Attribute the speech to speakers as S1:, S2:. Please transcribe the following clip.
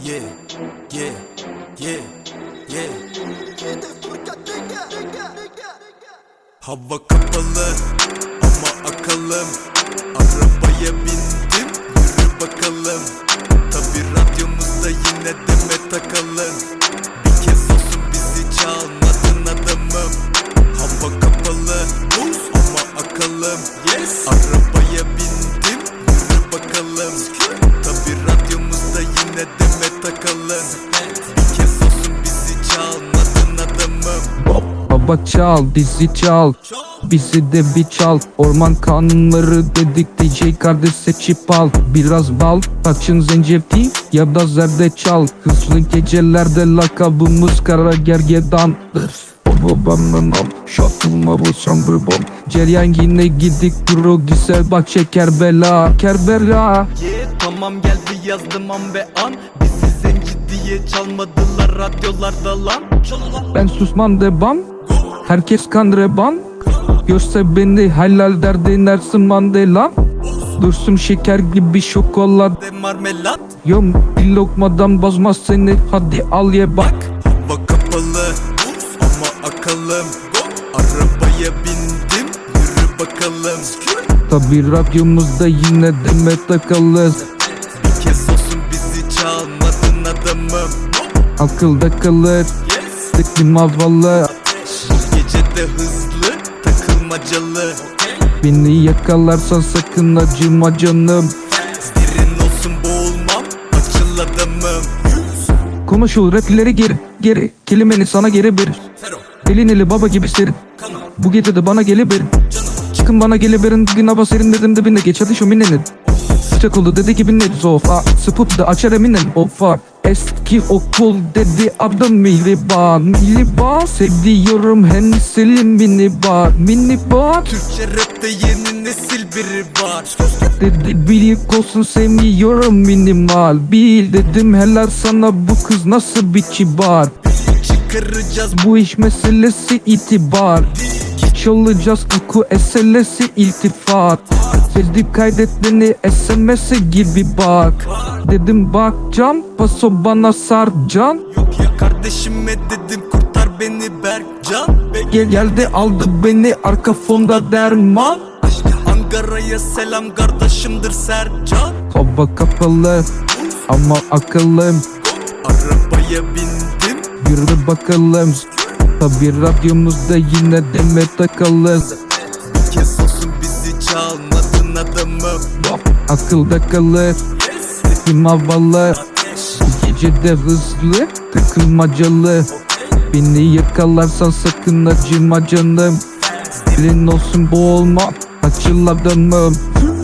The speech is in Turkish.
S1: yeah, yeah, yeah, yeah. Hava kapalı ama akalım. Arabaya bindim, yürü bakalım. Tabi radyomuzda yine deme takalım. Bir kez olsun bizi çalmadın adamım. Hava kapalı ama akalım. Arabaya bindim, yürü bakalım. Tabi radyomuzda yine deme takalım. Bir kez olsun bizi çalmadın adamım.
S2: Baba çal, bizi çal, bizi de bir çal. Orman kanunları dedik, DJ kardeş seçip al. Biraz bal, saçın zencefil ya da zerdeçal. Hızlı gecelerde lakabımız kara gergedandır. Babamın am, şatılma bu sambır bom. Ceryan yine gidik duru güzel bak Kerbela, Kerbela.
S1: Tamam geldi yazdım an ve an. Bizi zenci diye çalmadılar radyolarda lan.
S2: Ben susmam devam, herkes kan reban. Görse beni helal der denersin Mandela. Dursun şeker gibi şokolat.
S1: De marmelat.
S2: Yom bir lokmadan bozmaz seni, hadi al ye bak.
S1: Hava kapalı ama akalım. Arabaya bindim, yürü bakalım.
S2: Tabi radyomuzda yine deme takalız.
S1: Bir kez olsun bizi çalmadın adamım.
S2: Akılda kalır, tıklım havalı.
S1: Bu gece de hızlı, takılmacalı.
S2: Beni yakalarsan sakın acıma canım.
S1: Derin olsun boğulmam, açıl adamım.
S2: Konuşul rapleri geri kelimeni sana geri bir. Elin eli baba gibi serin. Bu gece de bana gelebirin. Çıkın bana gelebirin. Günaba serin dedim dibinde geç hadi şu minenin. Sıcak oldu dedi gibi net sofa. Sıpıp da açar eminen ofa. Eski okul dedi adım Miliban. Miliban seviyorum henselim minibar. Minibar
S1: Türkçe rapte yeni nesil biri var.
S2: dedi bilik olsun sevmiyorum minimal. Bil dedim helal sana bu kız nasıl bir kibar.
S1: Çıkaracağız
S2: Bu iş meselesi itibar. Çalacağız koku eselesi iltifat. Sevdim kaydet beni SMS'e gibi bak. Dedim bakcam paso bana sarcan.
S1: Yok ya kardeşime dedim kurtar beni Berkcan.
S2: Geldi aldı beni arka fonda derman.
S1: Ankara'ya selam kardeşimdir Sercan.
S2: Hava kapalı ama akıllım.
S1: Arabaya bindim,
S2: Yürü bakalım. Tabi radyomuzda yine deme takalız.
S1: bir kez olsun bizi çalmadın adamım.
S2: Akılda kalır, tıkım havalı. Bu gece de hızlı, takılmacalı. Beni yakalarsan sakın acıma canım. Dilin olsun boğulma, açıl adamım.